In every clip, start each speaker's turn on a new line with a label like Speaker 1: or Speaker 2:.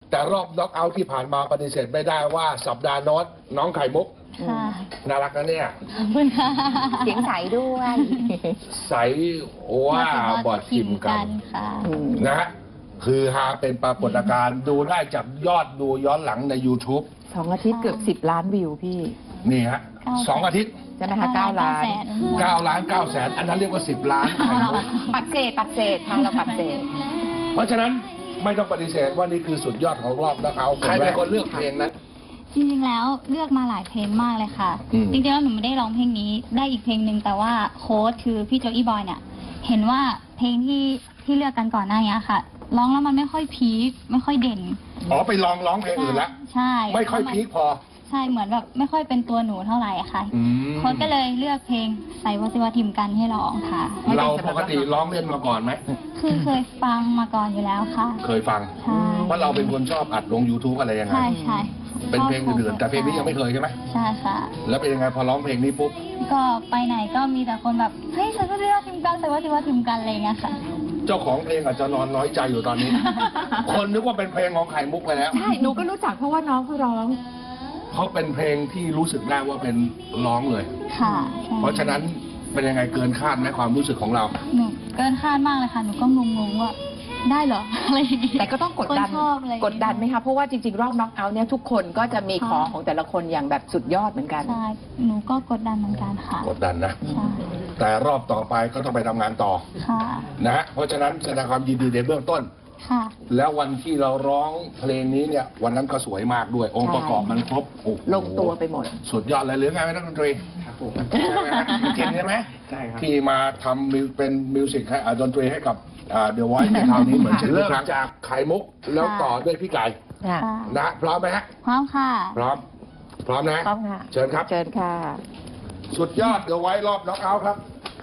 Speaker 1: แต่รอบน็อกเอาท์ที่ผ่านมาปฏิเสธไม่ได้ว่าสัปดาห์โน้ตน้องไข่มุก
Speaker 2: ค่ะ
Speaker 1: น่ารักนะเนี่ย
Speaker 2: ขอบคุณค่ะ
Speaker 3: เสียงใสด้วย
Speaker 1: ใสว่าบอดทิมกัน
Speaker 2: ค่ะ
Speaker 1: นะฮะคือฮาเป็นปรากฏการณ์ดูได้จากยอดดูย้อนหลังใน YouTube
Speaker 3: 2 อาทิตย์เกือบ10 ล้านวิวพี่
Speaker 1: นี่ฮะ
Speaker 2: 9
Speaker 1: 2 อาทิตย์
Speaker 3: ใช่ไหมคะ9 ล้าน
Speaker 1: 9 ล้าน 9 แสน อันนั้นเรียกว่า 10 ล้านไข่มุก
Speaker 3: ปักเศษค่ะเราปักเศษ
Speaker 1: เพราะฉะนั้นไม่ต้องปฏิเสธว่านี่คือสุดยอดของรอบน็อกเอาท์ใครเป็นคนเลือกเพลงนั้น
Speaker 2: จริงๆแล้วเลือกมาหลายเพลงมากเลยค่ะ
Speaker 1: อืม
Speaker 2: จริงๆแล้วหนูไม่ได้ร้องเพลงนี้ได้อีกเพลงหนึ่งแต่ว่าโค้ชคือพี่โจอี้บอยเนี่ยเห็นว่าเพลงที่เลือกกันก่อนหน้านี้ค่ะร้องแล้วมันไม่ค่อยพีคไม่ค่อยเด่น
Speaker 1: อ๋อไปลองร้องเพลงอื่นแล้ว
Speaker 2: ใช่
Speaker 1: ไม่ค่อยพีคพอ
Speaker 2: ใช่เหมือนแบบไม่ค่อยเป็นตัวหนูเท่าไหร่อะค่ะ
Speaker 1: อืม
Speaker 2: โค้ชก็เลยเลือกเพลงใส่วสิวทิมกันให้ร้องค่ะ
Speaker 1: เราปกติร้องเล่นมาก่อนไหม
Speaker 2: คือเคยฟังมาก่อนอยู่แล้วค่ะ
Speaker 1: เคยฟัง
Speaker 2: ใช่
Speaker 1: เพราะเราเป็นคนชอบอัดลง YouTube อะไรยังไง
Speaker 2: ใช่ใช่
Speaker 1: เป็นเพลงอื่นๆแต่เพลงนี้ยังไม่เคยใช่ไหม
Speaker 2: ใช่ค่ะ
Speaker 1: แล้วเป็นยังไงพอร้องเพลงนี้ปุ๊บ
Speaker 2: ก็ไปไหนก็มีแต่คนแบบเฮ้ยใส่วสิวทิมกันใส่วสิวทิมกันอะไรอย่างเงี้ยค่ะ
Speaker 1: เจ้าของเพลงอาจจะนอนน้อยใจอยู่ตอนนี้ คนนึกว่าเป็นเพลงของไข่มุกไปแล้ว
Speaker 3: ใช่ หนูก็รู้จักเพราะว่าน้องเขาร้อง
Speaker 1: เขาเป็นเพลงที่รู้สึกได้ว่าเป็นร้องเลย
Speaker 2: ค่ะใช่
Speaker 1: เพราะฉะนั้นเป็นยังไงเกินคาดไหมความรู้สึกของเรา
Speaker 2: หนูเกินคาดมากเลยค่ะ หนูก็งงๆว่าได้เหรอ อะไรอย่างเงี้ย
Speaker 3: แต่ก็ต้องกดดัน
Speaker 2: คนชอบอะไรอย่างเงี้ย
Speaker 3: กดดันไหมคะ เพราะว่าจริงๆ รอบน็อกเอาท์เนี่ยทุกคนก็จะมีของของแต่ละคนอย่างแบบสุดยอดเหมือนกัน
Speaker 2: ใช่ หนูก็กดดันเหมือนกันค่ะ
Speaker 1: กดดันนะ
Speaker 2: ใช่
Speaker 1: แต่รอบต่อไปก็ต้องไปทำงานต่อ
Speaker 2: ค่ะ
Speaker 1: นะฮะเพราะฉะนั้นแสดงความยินดีในเบื้องต้น
Speaker 2: ค่ะ
Speaker 1: แล้ววันที่เราร้องเพลงนี้เนี่ย วันนั้นก็สวยมากด้วย องค์ประกอบมันครบโอ้โห
Speaker 3: ลงตัวไปหมด
Speaker 1: สุดยอดเลยหรือไงนักดนตรีครับผมเก่งใช่ไหมใช่ครับที่มาทำเป็นมิวสิกให้ดนตรีให้กับเดอะไวท์ในคราวนี้เหมือนเช่นทุกครั้งจากไข่มุกแล้วต่อด้วยพี่ไก่
Speaker 3: ค่ะ
Speaker 2: ค่ะ
Speaker 1: นะพร้อมไหมฮะ
Speaker 2: พร้อมค่ะ
Speaker 1: พร้อม พร้อมนะ
Speaker 3: พร้อมค่ะ
Speaker 1: เชิญครับ
Speaker 3: เชิญค่ะ
Speaker 1: สุดยอดเดอะไวท์รอบน็อกเอาท์ครับ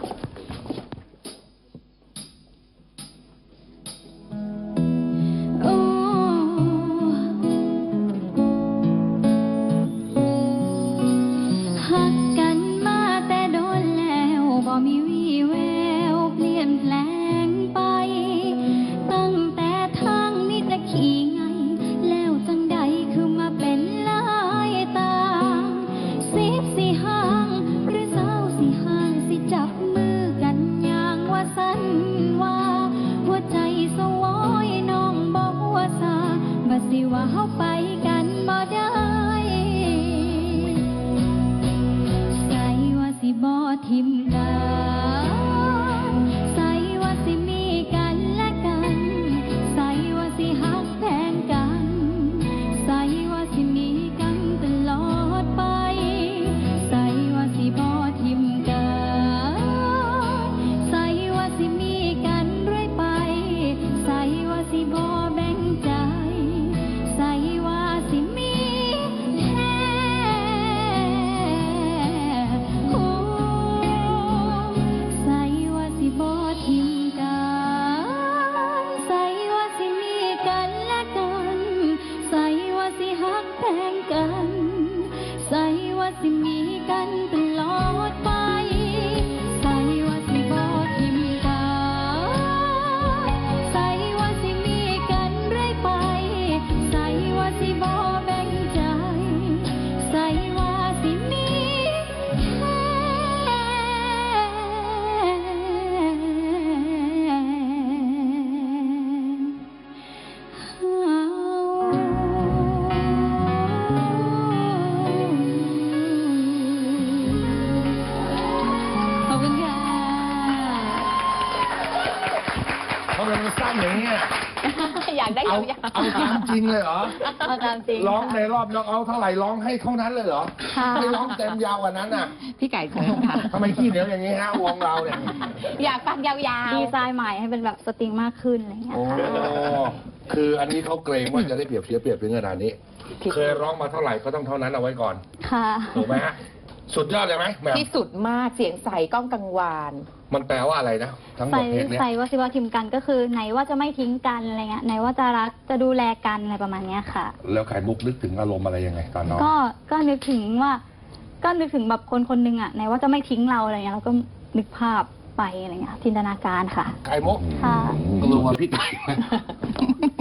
Speaker 2: โอ้ฮักกันมาแต่โดนแล้วบ่มีวี่แววเปลี่ยนแปลงไป ตั้งแต่ทางนี้จะขี่ไง แล้วจังใดคือมาเป็นลายตางสิบสิห่างหรือสาวสิห่างสิจับมือกันอย่างว่าสันว่า หัวใจสวอยน้องบอกว่าซาบ่สิว่าเฮาไปกันบ่ได้ ใส่ว่าสิบ่ทิมกันใส่ว่าสิมีกันและกัน ใส่ว่าสิฮักแพงกัน ใส่ว่าสิมีกันตลอดไป ใส่ว่าสิบ่ทิมกันใส่ว่าสิมีกันเรื่อยไป ใส่ว่าสิบ่แบ่งใจ ใส่ว่าสิมีแท้โอ้ใส่ว่าสิบ่ทิมกันใส่ว่าสิมีกันและกัน ใส่ว่าสิฮักแพงกัน ใส่ว่าสิมีกันตลอดไป ใส่ว่าสิบ่ทิมกันใส่ว่าสิมีกันเรื่อยไป ใส่ว่าสิบ่แบ่งใจ ใส่ว่าสิมีแค่ขอบคุณค่ะ
Speaker 1: ทำไมมันสั้นอย่างนี้ย
Speaker 3: อยากได้
Speaker 1: เอา
Speaker 3: ยาว
Speaker 1: เอาตามจริงเลยเหรอ
Speaker 2: เอาตามจริง
Speaker 1: ร้องในรอบน็อกเอาท์เท่าไหร่ร้องให้เท่านั้นเลยเหรอ
Speaker 2: ค่ะ
Speaker 1: ไม่ร้องเต็มยาวกว่านั้นอ่ะ
Speaker 3: ๆพี่ไก่เชิญค่ะ
Speaker 1: ทำไมขี้เหนียวอย่างนี้ฮะวงเราเนี่ย
Speaker 3: อยากฟังยาว
Speaker 2: ดีไซน์ใหม่ให้เป็นแบบสตริงมากขึ้นอะไรอย่างเงี้ย
Speaker 1: โอ้
Speaker 2: ค่ะ
Speaker 1: คืออันนี้เขาเกรงว่าจะได้เปรียบเสียเปรียบถึงขนาดนี้ เคยร้องมาเท่าไหร่ก็ต้องเท่านั้นเอาไว้ก่อน
Speaker 2: ค่ะ
Speaker 1: ถูกไหมฮะ สุดยอดเลยไหมแหม่ม
Speaker 3: ที่สุดมากเสียงใสก้องกังวาน
Speaker 1: มันแปลว่าอะไรนะ ทั้งหม
Speaker 2: ใส่
Speaker 1: ดเพลงเนี้ย
Speaker 2: ใส่ว่าสิว่าทิมกันก็คือไหนว่าจะไม่ทิ้งกันอะไรเงี้ยไหนว่าจะรักจะดูแลกันอะไรประมาณเนี้ยค่ะ
Speaker 1: แล้วไข่มุกนึกถึงอารมณ์อะไรยังไงตอนน้อง
Speaker 2: ก็นึกถึงว่า ก็นึกถึงแบบคนคนหนึงอ่ะไหนว่าจะไม่ทิ้งเราอะไรเงี้ยเราก็นึกภาพไปอะไรเงี้ยจินตนาการค่ะ
Speaker 1: ไข่มุก
Speaker 2: ค่ะ
Speaker 1: กลัวพี่ไก่ไหม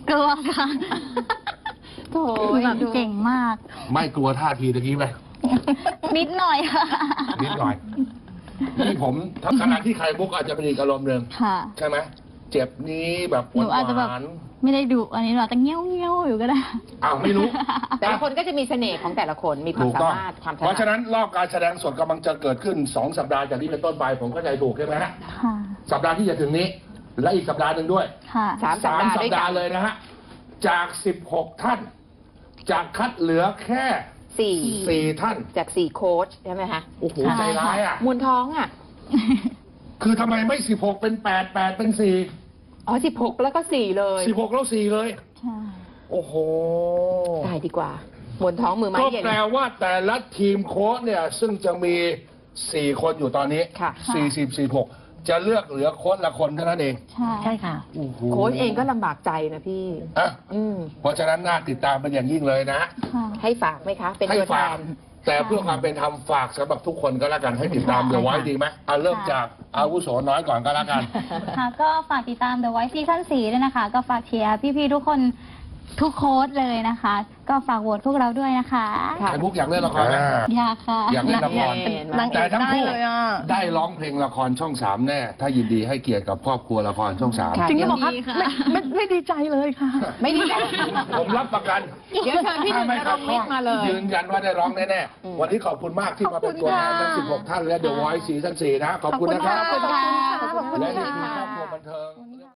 Speaker 2: กลัวค่ะ
Speaker 3: โถ่
Speaker 2: แบบเก่งมาก
Speaker 1: ไม่กลัวท่าทีตะกี้ไหม
Speaker 2: นิดหน่อยค่ะ
Speaker 1: นิดหน่อยนี่ผมขณะที่ไข่มุกอาจจะเป็นอีกอารมณ์หนึ่ง
Speaker 2: ค่ะ
Speaker 1: ใช่ไหมเจ็บนี้แบบห
Speaker 2: หนูอาจจะแบบ
Speaker 1: วาน
Speaker 2: ไม่ได้ดุอันนี้หนูอาจจะเงี้ยวอยู่ก็ได้
Speaker 1: ๆอ้าวไม่รู้
Speaker 3: แต่ละคนก็จะมีเสน่ห์ของแต่ละคนมีความ
Speaker 1: ถูก
Speaker 3: สา
Speaker 1: ต้อง
Speaker 3: มารถความถ
Speaker 1: เพราะฉะ
Speaker 3: นัด
Speaker 1: นั้นรอบการแสดงสดกำลังจะเกิดขึ้น2 สัปดาห์จากนี้เป็นต้นไปผมเข้าใจถูกใช่ไหมฮะ
Speaker 2: ค่ะ
Speaker 1: สัปดาห์ที่จะถึงนี้ และอีกสัปดาห์หนึ่งด้วย
Speaker 2: ค่ะ
Speaker 3: สามสัปดาห์
Speaker 1: สั
Speaker 3: ด้
Speaker 1: ป
Speaker 3: วยกั
Speaker 1: ดาน ห์เลยนะฮะจาก16 ท่านจากคัดเหลือแค่ 4 ท่าน
Speaker 3: จาก4โค้ชใช่ไหมคะ
Speaker 1: โอ้โห
Speaker 2: ใช่
Speaker 1: ใจร้ายอ่ะ
Speaker 3: มวลท้องอ่ะ
Speaker 1: คือทำไมไม่16เป็น8 8เป็น4
Speaker 3: อ๋อ16แล้วก็4เลย
Speaker 1: 16แล้ว4เลย
Speaker 2: ใช่
Speaker 1: โอ้โห
Speaker 3: ตายดีกว่ามวลท้องมือไม้
Speaker 1: ก็
Speaker 3: เย็น
Speaker 1: แปลว่าแต่ละทีมโค้ชเนี่ยซึ่งจะมี 4 คนอยู่ตอนนี้
Speaker 3: ค่ะ
Speaker 1: 46จะเลือกเหลือโค้ชละคนเท่านั้นเอง
Speaker 2: ใช่ค่ะ
Speaker 1: โอ้โห
Speaker 3: โค้ชเองก็ลำบากใจนะพี่
Speaker 1: อ่ะ
Speaker 3: อืม
Speaker 1: เพราะฉะนั้นน่าติดตามเป็นอย่างยิ่งเลยนะ
Speaker 2: ค่ะ
Speaker 3: ให้ฝากไหมคะ เป็น
Speaker 1: ให้
Speaker 3: ตัวแท
Speaker 1: ฝาก
Speaker 3: น
Speaker 1: แต่เพื่อความเป็นธรรมฝากสำหรับทุกคนก็แล้วกันให้ติดตามเดี๋ยวไว้ดีไหมเอาเริ่มจากอาวุโสน้อยก่อนก็แล้วกัน
Speaker 2: ค่ะก็ฝากติดตาม The Voice ซีซั่น4ด้วยนะคะ ก็ฝากเชียร์พี่ๆทุกคนทุกโค้ดเลยนะคะ ก็ฝากโหวตพวกเราด้วยนะคะ
Speaker 3: ค่ะ
Speaker 1: ไอ้มุกอยากเล่นละครไหม
Speaker 2: อยากค่ะ
Speaker 1: อยากเล่นละคร
Speaker 3: นางเอก
Speaker 1: แต่ทั้งคู่
Speaker 4: ได้เลยอะ
Speaker 1: ได้ร้องเพลงละครช่อง 3 แน่ ถ้ายินดีให้เกียรติกับครอบครัวละครช่อง
Speaker 3: ค่ะ
Speaker 4: จริงหรือเปล่าคะ
Speaker 2: ดีค่ะ
Speaker 4: ไม่ดีใจเลยค่ะ
Speaker 3: ไม่ดีใจ
Speaker 1: 3 ผมรับประกัน
Speaker 3: เดี๋ยวเชิญพี่หนึ่ง
Speaker 1: ถ้าไม่
Speaker 3: น
Speaker 1: ขั
Speaker 3: ร
Speaker 1: ด
Speaker 3: ง
Speaker 1: ข้
Speaker 3: วิ
Speaker 1: อง
Speaker 3: ทย์มาเลย
Speaker 1: ยืนยันว่าได้ร้องแน่
Speaker 3: อืม
Speaker 1: ๆวันนี้ขอบคุณมากที่มาเป็นตัวแทนทั้ง 16 ท่านและ The Voice ซีซั่น 4 นะ ขอบคุณนะครับ
Speaker 3: ขอบคุณค่ะ
Speaker 4: ขอบคุณค่ะ
Speaker 1: และนี่คือครอบครัวบันเทิง